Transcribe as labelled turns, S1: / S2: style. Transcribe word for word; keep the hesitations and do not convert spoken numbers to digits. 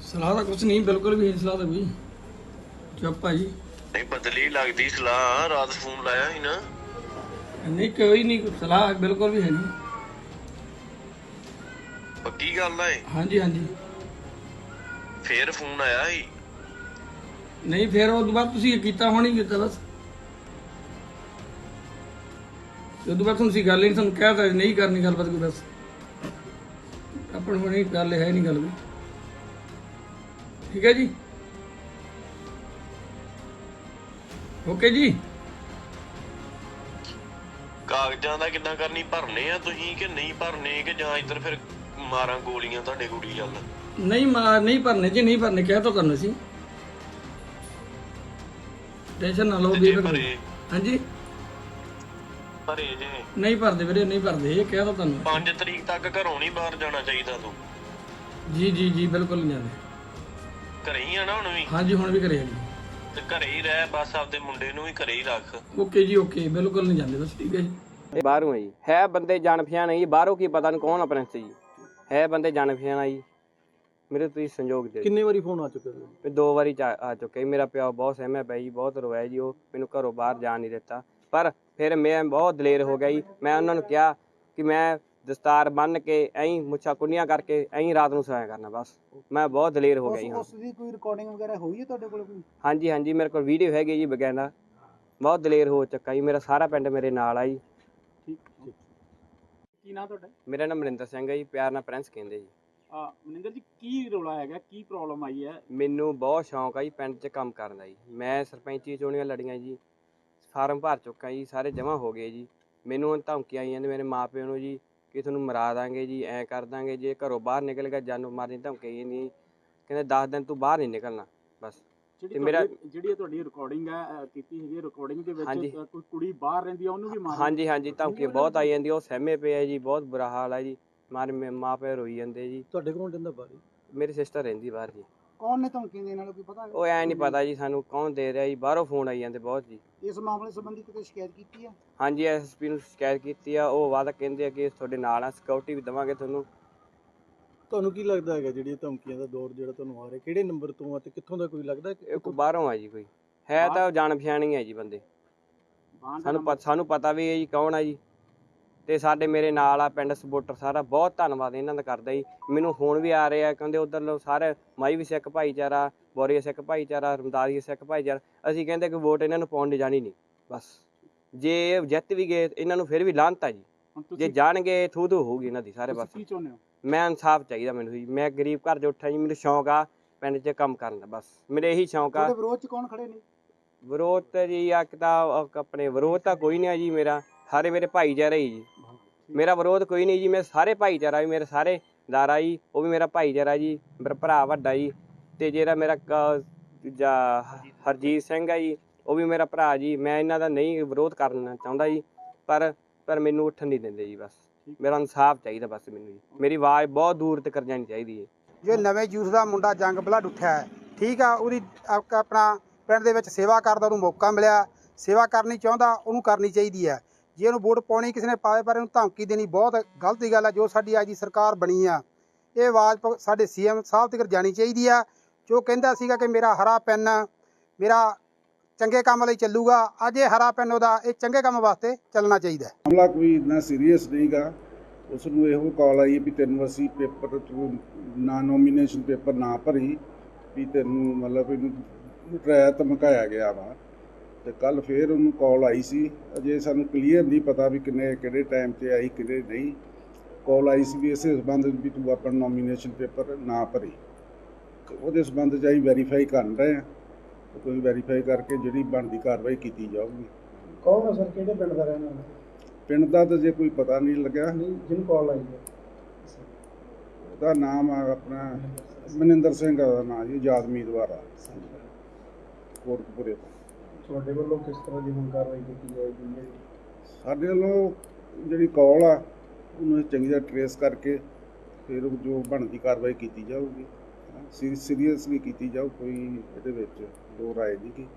S1: सलाह तो कुछ नहीं, बिल्कुल भी नहीं सलाह तो कोई। चुप भाई।
S2: नहीं बदली लगती सलाह, रात फोन लाया ही ना।
S1: नहीं कोई नहीं सलाह, बिल्कुल भी है नहीं।
S2: पक्की गल है?
S1: हाँ जी हाँ जी।
S2: फिर फोन आया ही?
S1: नहीं फिर उस बाद तुसीं कीता होनी कीता बस। उस बाद तुसीं गल ही नहीं, तुहानूं कहता नहीं करनी गलबात कोई बस। अपन होनी गल है नहीं गल कोई। ठीक है जी, ओके जी।
S2: ਕਾਗਜ਼ਾਂ ਦਾ ਕਿੱਦਾਂ ਕਰਨੀ, ਭਰਨੇ ਆ ਤੁਸੀਂ ਕਿ ਨਹੀਂ ਭਰਨੇ, ਕਿ ਜਾਂ ਇੱਧਰ ਫਿਰ ਮਾਰਾਂ ਗੋਲੀਆਂ ਤੁਹਾਡੇ ਕੁੜੀ ਵੱਲ?
S1: नहीं मार नहीं भरने जी, नहीं भरने, क्या तो करना सी। टेंशन ना लो
S2: ਤੇ
S1: भी।
S2: ਜੇ ਭਰੇ
S1: हाँ जी।
S2: ਭਰੇ ਜੇ
S1: नहीं भरते वीरे, नहीं भरते, ये क्या तो करना।
S2: ਪੰਜ ਤਰੀਕ ਤੱਕ ਘਰੋਂ ਨਹੀਂ ਬਾਹਰ ਜਾਣਾ ਚਾਹੀਦਾ ਤੂੰ।
S1: जी जी जी बिल्कुल नहीं जाते।
S2: ਘਰੇ ਹੀ ਆ ਨਾ ਹੁਣ ਵੀ?
S1: हाँ जी हुण भी करे जी।
S2: ਤੇ ਘਰੇ ਹੀ ਰਹਿ ਬਸ, ਆਪਦੇ ਮੁੰਡੇ ਨੂੰ ਵੀ ਘਰੇ ਹੀ ਰੱਖ।
S1: ओके जी ओके, बिल्कुल नहीं जाते बस। ठीक है जी।
S3: ਇਹ ਬਾਹਰੋਂ ਹੈ ਜੀ, ਹੈ ਬੰਦੇ ਜਾਣ ਪਛਾਣ ਹੈ ਜੀ, ਬਾਹਰੋਂ ਕੀ ਪਤਾ ਨਹੀਂ ਕੌਣ ਆ ਪ੍ਰਿੰਸ ਜੀ, ਹੈ ਬੰਦੇ ਜਾਣ ਪਛਾਣ ਆ ਜੀ। ਮੇਰੇ ਤੁਸੀਂ ਸੰਯੋਗ ਦੇ
S4: ਕਿੰਨੇ ਵਾਰੀ ਫੋਨ ਆ ਚੁੱਕੇ ਨੇ?
S3: ਵੀ ਦੋ ਵਾਰੀ ਚ- ਆ ਚੁੱਕੇ ਜੀ। ਮੇਰਾ ਪਿਓ ਬਹੁਤ ਸਹਿਮਿਆ ਪਿਆ ਜੀ, ਬਹੁਤ ਰੋਇਆ ਜੀ, ਉਹ ਮੈਨੂੰ ਘਰੋਂ ਬਾਹਰ ਜਾਣ ਨਹੀਂ ਦਿੱਤਾ। ਪਰ ਫਿਰ ਮੈਂ ਬਹੁਤ ਦਲੇਰ ਹੋ ਗਿਆ ਜੀ। ਮੈਂ ਉਹਨਾਂ ਨੂੰ ਕਿਹਾ ਕਿ ਮੈਂ ਦਸਤਾਰ ਬੰਨ੍ਹ ਕੇ ਐਂ ਮੁੱਛਾਂ ਕੁੰਡੀਆਂ ਕਰਕੇ ਐਂ ਰਾਤ ਨੂੰ ਸੋਇਆ ਕਰਨਾ, ਬਸ ਮੈਂ ਬਹੁਤ ਦਲੇਰ ਹੋ ਗਿਆ ਜੀ।
S4: ਉਸ ਦੀ ਕੋਈ ਰਿਕਾਰਡਿੰਗ ਵਗੈਰਾ ਹੋਈ ਹੈ ਤੁਹਾਡੇ ਕੋਲ ਕੋਈ?
S3: ਹਾਂਜੀ ਹਾਂਜੀ, ਮੇਰੇ ਕੋਲ ਵੀਡੀਓ ਹੈਗੀ ਜੀ ਬਗੈਂਦਾ। ਬਹੁਤ ਦਲੇਰ ਹੋ ਚੁੱਕਾ ਜੀ, ਮੇਰਾ ਸਾਰਾ ਪਿੰਡ ਮੇਰੇ ਨਾਲ ਆ ਜੀ।
S4: ਠੀਕ ਠੀਕ। ਕੀ ਨਾਂ ਤੁਹਾਡਾ?
S3: ਮੇਰਾ ਨਾਮ ਮਨਿੰਦਰ ਸਿੰਘ ਹੈ ਜੀ, ਪਿਆਰ ਨਾਲ ਪ੍ਰਿੰਸ ਕਹਿੰਦੇ ਜੀ।
S4: ਆ ਮਨਿੰਦਰ ਜੀ, ਕੀ ਰੌਲਾ ਹੈਗਾ, ਕੀ ਪ੍ਰੋਬਲਮ ਆਈ ਹੈ?
S3: ਮੈਨੂੰ ਬਹੁਤ ਸ਼ੌਂਕ ਆ ਜੀ ਪਿੰਡ 'ਚ ਕੰਮ ਕਰਨ ਦਾ ਜੀ। ਮੈਂ ਸਰਪੰਚੀ ਚੋਣੀਆਂ ਲੜੀਆਂ ਜੀ, ਫਾਰਮ ਭਰ ਚੁੱਕਾ ਜੀ, ਸਾਰੇ ਜਮ੍ਹਾਂ ਹੋ ਗਏ ਜੀ। ਮੈਨੂੰ ਹੁਣ ਧਮਕੀਆਂ ਆਈਆਂ ਨੇ ਮੇਰੇ ਮਾਂ ਪਿਓ ਨੂੰ ਜੀ ਕਿ ਤੁਹਾਨੂੰ ਮਰਾ ਦਾਂਗੇ ਜੀ, ਐਂ ਕਰ ਦਾਂਗੇ, ਜੇ ਘਰੋਂ ਬਾਹਰ ਨਿਕਲ ਗਿਆ ਜਾਨੋਂ ਮਾਰਨ ਦੀ ਧਮਕੀ ਨਹੀਂ। ਕਹਿੰਦੇ ਦਸ ਦਿਨ ਤੂੰ ਬਾਹਰ ਨਹੀਂ ਨਿਕਲਣਾ ਬਸ।
S4: ਜਿਹੜੀ
S3: ਮੇਰਾ-
S4: ਤੁਹਾਡੀ ਜਿਹੜੀ ਇਹ ਤੁਹਾਡੀ ਰਿਕਾਰਡਿੰਗ ਹੈ ਅ, ਕੀਤੀ ਹੈਗੀ, ਰਿਕਾਰਡਿੰਗ ਦੇ
S3: ਹਾਂਜੀ।
S4: ਵਿੱਚ ਅ, ਕੋਈ ਕੁੜੀ ਬਾਹਰ ਰਹਿੰਦੀ ਆ ਉਹਨੂੰ ਵੀ ਮਾਰ?
S3: ਹਾਂਜੀ ਹਾਂਜੀ, ਧਮਕੀਆਂ ਬਹੁਤ ਆਈ ਜਾਂਦੀਆਂ, ਉਹ ਸਹਿਮੇ ਪਏ ਆ ਜੀ, ਬਹੁਤ ਬੁਰਾ ਹਾਲ ਆ ਜੀ। ਮਾਰੇ ਮੇ- ਮਾਂ ਪਿਓ ਰੋਈ ਜਾਂਦੇ ਜੀ।
S4: ਤੁਹਾਡੇ ਕੋਲ ਰਹਿੰਦਾ ਬਾਹਰ?
S3: ਮੇਰੀ ਸਿਸਟਰ ਰਹਿੰਦੀ ਬਾਹਰ ਜੀ।
S4: ਕੌਣ ਨੇ ਧਮਕੀਆਂ ਦੇਣ ਵਾਲਾ ਕੋਈ ਪਤਾ?
S3: ਉਹ ਐਂ ਨਹੀਂ ਪਤਾ ਜੀ ਸਾਨੂੰ ਕੌਣ ਦੇ ਰਿਹਾ ਜੀ, ਬਾਹਰੋਂ ਫੋਨ ਆਈ ਜਾਂਦੇ ਬਹੁਤ ਜੀ।
S4: ਇਸ ਮਾਮਲੇ ਸੰਬੰਧੀ ਕਿਤੇ ਸ਼ਿਕਾਇਤ ਕੀਤੀ ਹੈ?
S3: ਹਾਂਜੀ, ਐਸ ਐਸ ਪੀ ਨੂੰ ਸ਼ਿਕਾਇਤ ਕੀਤੀ ਆ, ਉਹ ਵਾਅਦਾ ਕਹਿੰਦੇ ਆ ਕਿ ਤੁਹਾਡੇ ਨਾਲ ਆ, ਸਿਕਿਉਰਿਟੀ ਵੀ ਦੇਵਾਂਗੇ ਤੁਹਾਨੂੰ।
S4: ਤੁਹਾਨੂੰ ਕੀ ਲੱਗਦਾ ਹੈਗਾ ਜਿਹੜੀ ਇਹ ਧਮਕੀਆਂ ਦਾ ਦੌਰ ਜਿਹੜਾ ਤੁਹਾਨੂੰ ਆ ਰਿਹਾ, ਕਿਹੜੇ ਨੰਬਰ ਤੋਂ ਆ ਤੇ ਕਿੱਥੋਂ ਦਾ ਕੋਈ ਲੱਗਦਾ ਕਿ
S3: ਇਹ ਕੋਈ ਬਾਹਰੋਂ ਆ ਜੀ, ਕੋਈ ਹੈ ਤਾਂ ਜਾਣ ਪਛਾਣੀ ਹੈ ਜੀ ਬੰਦੇ। ਸਾਨੂੰ ਪਤਾ ਸਾਨੂੰ ਪਤਾ ਵੀ ਹੈ ਜੀ ਕੌਣ ਆ ਜੀ। ਤੇ ਸਾਡੇ ਮੇਰੇ ਨਾਲ ਆ ਪਿੰਡ ਸਪੋਰਟਰ ਸਾਰਾ, ਬਹੁਤ ਧੰਨਵਾਦ ਇਹਨਾਂ ਦਾ ਕਰਦਾ ਜੀ। ਮੈਨੂੰ ਫੋਨ ਵੀ ਆ ਰਹੇ ਆ, ਕਹਿੰਦੇ ਉਧਰ ਲੋ ਸਾਰੇ ਮਾਈ ਵੀ ਸਿੱਖ ਭਾਈਚਾਰਾ, ਬੋਰੀਆ ਸਿੱਖ ਭਾਈਚਾਰਾ, ਰਮਦਾਰੀ ਸਿੱਖ ਭਾਈਚਾਰਾ। ਅਸੀਂ ਕਹਿੰਦੇ ਕਿ ਵੋਟ ਇਹਨਾਂ ਨੂੰ ਪਾਉਣ ਦੀ ਜਾਣੀ ਨਹੀਂ ਬਸ। ਜੇ ਇਹ ਜਿੱਤ ਵੀ ਗਏ ਇਹਨਾਂ ਨੂੰ ਫਿਰ ਵੀ ਲਾਹਨਤ ਆ ਜੀ, ਜੇ ਜਾਣਗੇ ਥੂ ਥੂ ਹੋਊਗੀ ਇਹਨਾਂ ਦੀ ਸਾਰੇ ਬਸ।
S4: ਕੀ ਚਾਹੁੰਦੇ ਹੋ?
S3: ਮੈਂ ਇਨਸਾਫ ਚਾਹੀਦਾ ਮੈਨੂੰ ਜੀ। ਮੈਂ ਗਰੀਬ ਘਰ 'ਚ ਉੱਠਿਆ ਜੀ, ਮੈਨੂੰ ਸ਼ੌਂਕ ਆ ਪਿੰਡ 'ਚ ਕੰਮ ਕਰਨ ਦਾ, ਬਸ ਮੇਰੇ ਇਹੀ ਸ਼ੌਂਕ ਆ।
S4: ਤੁਹਾਡੇ ਵਿਰੋਧ 'ਚ ਕੌਣ ਖੜੇ ਨੇ?
S3: ਵਿਰੋਧ ਤਾਂ ਜੀ ਆ ਤਾਂ ਆਪਣੇ ਵਿਰੋਧ ਤਾਂ ਕੋਈ ਨਹੀਂ ਆ ਜੀ, ਮੇਰਾ ਸਾਰੇ ਮੇਰੇ ਭਾਈਚਾਰਾ ਹੀ ਜੀ। ਮੇਰਾ ਵਿਰੋਧ ਕੋਈ ਨਹੀਂ ਜੀ, ਮੈਂ ਸਾਰੇ ਭਾਈਚਾਰਾ ਵੀ ਮੇਰੇ ਸਾਰੇ ਦਾਰਾ ਜੀ, ਉਹ ਵੀ ਮੇਰਾ ਭਾਈਚਾਰਾ ਜੀ, ਮੇਰਾ ਭਰਾ ਵੱਡਾ ਜੀ। ਤੇ ਜਿਹੜਾ ਮੇਰਾ ਦੂਜਾ ਹਰਜੀਤ ਸਿੰਘ ਆ ਜੀ, ਉਹ ਵੀ ਮੇਰਾ ਭਰਾ ਜੀ। ਮੈਂ ਇਹਨਾਂ ਦਾ ਨਹੀਂ ਵਿਰੋਧ ਕਰਨਾ ਚਾਹੁੰਦਾ ਜੀ, ਪਰ ਪਰ ਮੈਨੂੰ ਉੱਠਣ ਨਹੀਂ ਦਿੰਦੇ ਜੀ। ਬਸ ਮੇਰਾ ਇਨਸਾਫ ਚਾਹੀਦਾ ਬਸ ਮੈਨੂੰ ਜੀ। ਮੇਰੀ ਆਵਾਜ਼ ਬਹੁਤ ਦੂਰ ਤੱਕ ਜਾਣੀ ਚਾਹੀਦੀ ਹੈ।
S5: ਜੇ ਨਵੇਂ ਯੂਥ ਦਾ ਮੁੰਡਾ ਜੰਗ ਬਲੱਡ ਉੱਠਿਆ ਹੈ, ਠੀਕ ਆ, ਉਹਦੀ ਆਪ- ਆਪਣਾ ਪਿੰਡ ਦੇ ਵਿੱਚ ਸੇਵਾ ਕਰਦਾ, ਉਹਨੂੰ ਮੌਕਾ ਮਿਲਿਆ, ਸੇਵਾ ਕਰਨੀ ਚਾਹੁੰਦਾ, ਉਹਨੂੰ ਕਰਨੀ ਚਾਹੀਦੀ ਹੈ। ਜੇ ਉਹਨੂੰ ਵੋਟ ਪਾਉਣੀ ਕਿਸੇ ਨੇ ਪਾਵੇ ਪਰ ਇਹਨੂੰ ਧਮਕੀ ਦੇਣੀ ਬਹੁਤ ਗਲਤ ਦੀ ਗੱਲ ਹੈ। ਜੋ ਸਾਡੀ ਅੱਜ ਦੀ ਸਰਕਾਰ ਬਣੀ ਆ, ਇਹ ਆਵਾਜ਼ ਪ- ਸਾਡੇ ਸੀ ਐਮ ਸਾਹਿਬ ਤੱਕ ਜਾਣੀ ਚਾਹੀਦੀ ਆ। ਜੋ ਕਹਿੰਦਾ ਸੀਗਾ ਕਿ ਮੇਰਾ ਹਰਾ ਪੈਨ ਮੇਰਾ ਚੰਗੇ ਕੰਮ ਲਈ ਚੱਲੂਗਾ, ਅੱਜ ਇਹ ਹਰਾ ਪੈਨ ਉਹਦਾ ਇਹ ਚੰਗੇ ਕੰਮ ਵਾਸਤੇ ਚੱਲਣਾ ਚਾਹੀਦਾ।
S6: ਮਾਮਲਾ ਕੋਈ ਇੰਨਾ ਸੀਰੀਅਸ ਨਹੀਂਗਾ। ਉਸ ਨੂੰ ਇਹੋ ਕਾਲ ਆਈ ਵੀ ਤੈਨੂੰ ਅਸੀਂ ਪੇਪਰ ਤੂੰ ਨਾ ਨੋਮੀਨੇਸ਼ਨ ਪੇਪਰ ਨਾ ਭਰੀ ਵੀ ਤੈਨੂੰ ਮਤਲਬ ਇਹਨੂੰ ਡਰਾਇਆ ਧਮਕਾਇਆ ਗਿਆ ਵਾ। ਤੇ ਕੱਲ ਫੇਰ ਉਹਨੂੰ ਕਾਲ ਆਈ ਸੀ, ਅਜੇ ਸਾਨੂੰ ਕਲੀਅਰ ਨਹੀਂ ਪਤਾ ਵੀ ਕਿੰਨੇ ਕਿਹੜੇ ਟਾਈਮ 'ਤੇ ਆਈ ਕਿਹੜੇ ਨਹੀਂ। ਕਾਲ ਆਈ ਸੀ ਵੀ ਇਸੇ ਸੰਬੰਧ ਵੀ ਤੂੰ ਆਪਣਾ ਨੋਮੀਨੇਸ਼ਨ ਪੇਪਰ ਨਾ ਭਰੀ। ਉਹਦੇ ਸੰਬੰਧ 'ਚ ਅਸੀਂ ਵੈਰੀਫਾਈ ਕਰ ਰਹੇ ਹਾਂ, ਕੋਈ ਵੈਰੀਫਾਈ ਕਰਕੇ ਜਿਹੜੀ ਬਣਦੀ ਕਾਰਵਾਈ ਕੀਤੀ ਜਾਊਗੀ।
S4: ਕੌਣ ਹੈ ਸਰ, ਕਿਹੜੇ ਪਿੰਡ ਦਾ ਰਹਿਣ ਵਾਲਾ?
S6: ਪਿੰਡ ਦਾ ਤਾਂ ਜੇ ਕੋਈ ਪਤਾ ਨਹੀਂ ਲੱਗਿਆ।
S4: ਨਹੀਂ, ਜਿਹਨੂੰ ਕਾਲ ਆਈ ਹੈ
S6: ਉਹਦਾ ਨਾਮ ਆ ਆਪਣਾ ਮਨਿੰਦਰ ਸਿੰਘ ਦਾ ਨਾਮ ਜੀ, ਆਜ਼ਾਦ ਉਮੀਦਵਾਰ ਆ ਕੋਟਕਪੂਰੇ ਤੋਂ।
S4: ਤੁਹਾਡੇ ਵੱਲੋਂ ਕਿਸ ਤਰ੍ਹਾਂ ਦੀ ਹੁਣ ਕਾਰਵਾਈ ਕੀਤੀ ਜਾਏਗੀ?
S6: ਸਾਡੇ ਵੱਲੋਂ ਜਿਹੜੀ ਕਾਲ ਆ ਉਹਨੂੰ ਚੰਗੀ ਤਰ੍ਹਾਂ ਟਰੇਸ ਕਰਕੇ ਫਿਰ ਜੋ ਬਣਦੀ ਕਾਰਵਾਈ ਕੀਤੀ ਜਾਊਗੀ, ਸੀਰੀਅਸਲੀ ਕੀਤੀ ਜਾਊ, ਕੋਈ ਇਹਦੇ ਵਿੱਚ ਦੋ ਰਾਏ ਨਹੀਂ ਗੀ।